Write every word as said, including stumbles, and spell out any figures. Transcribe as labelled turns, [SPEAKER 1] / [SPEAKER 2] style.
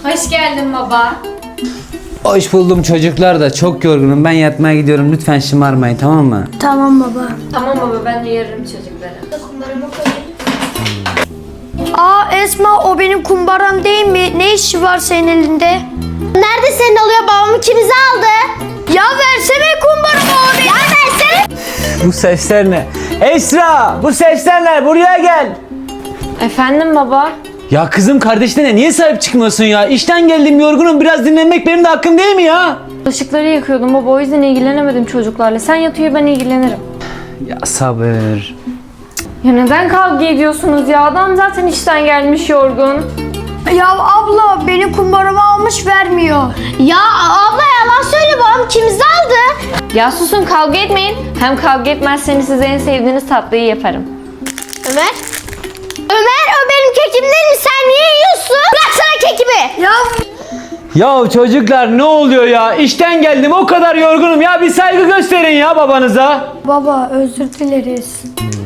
[SPEAKER 1] Hoş geldin baba.
[SPEAKER 2] Hoş buldum çocuklar da çok yorgunum. Ben yatmaya gidiyorum. Lütfen şımarmayın, tamam mı?
[SPEAKER 3] Tamam baba.
[SPEAKER 1] Tamam baba, ben uyarırım çocukları.
[SPEAKER 3] Aa Esma, o benim kumbaram değil mi? Ne işi var senin elinde?
[SPEAKER 4] Nerede senin oluyor? Babamı ikimizi aldı.
[SPEAKER 3] Ya versene kumbaramı abi.
[SPEAKER 4] Ya versene.
[SPEAKER 2] Bu sesler ne? Esra! Bu sesler ne? Buraya gel!
[SPEAKER 1] Efendim baba?
[SPEAKER 2] Ya kızım, kardeşlerine niye sahip çıkmıyorsun ya? İşten geldim, yorgunum. Biraz dinlenmek benim de hakkım değil mi ya?
[SPEAKER 1] Bulaşıkları yıkıyordum baba, o yüzden ilgilenemedim çocuklarla. Sen yat uyu, ben ilgilenirim.
[SPEAKER 2] Ya sabır.
[SPEAKER 1] Ya neden kavga ediyorsunuz ya? Adam zaten işten gelmiş yorgun.
[SPEAKER 3] Ya abla, benim kumbaramı almış vermiyor.
[SPEAKER 4] Ya abla yalan söyle, babam ikimizi aldı.
[SPEAKER 1] Ya susun, kavga etmeyin. Hem kavga etmezseniz size en sevdiğiniz tatlıyı yaparım.
[SPEAKER 4] Ömer. Ömer, o benim kekim değil mi? Sen niye yiyorsun? Bıraksana kekimi.
[SPEAKER 3] Ya
[SPEAKER 2] Ya çocuklar ne oluyor ya? İşten geldim, o kadar yorgunum ya. Bir saygı gösterin ya babanıza.
[SPEAKER 3] baba, özür dileriz.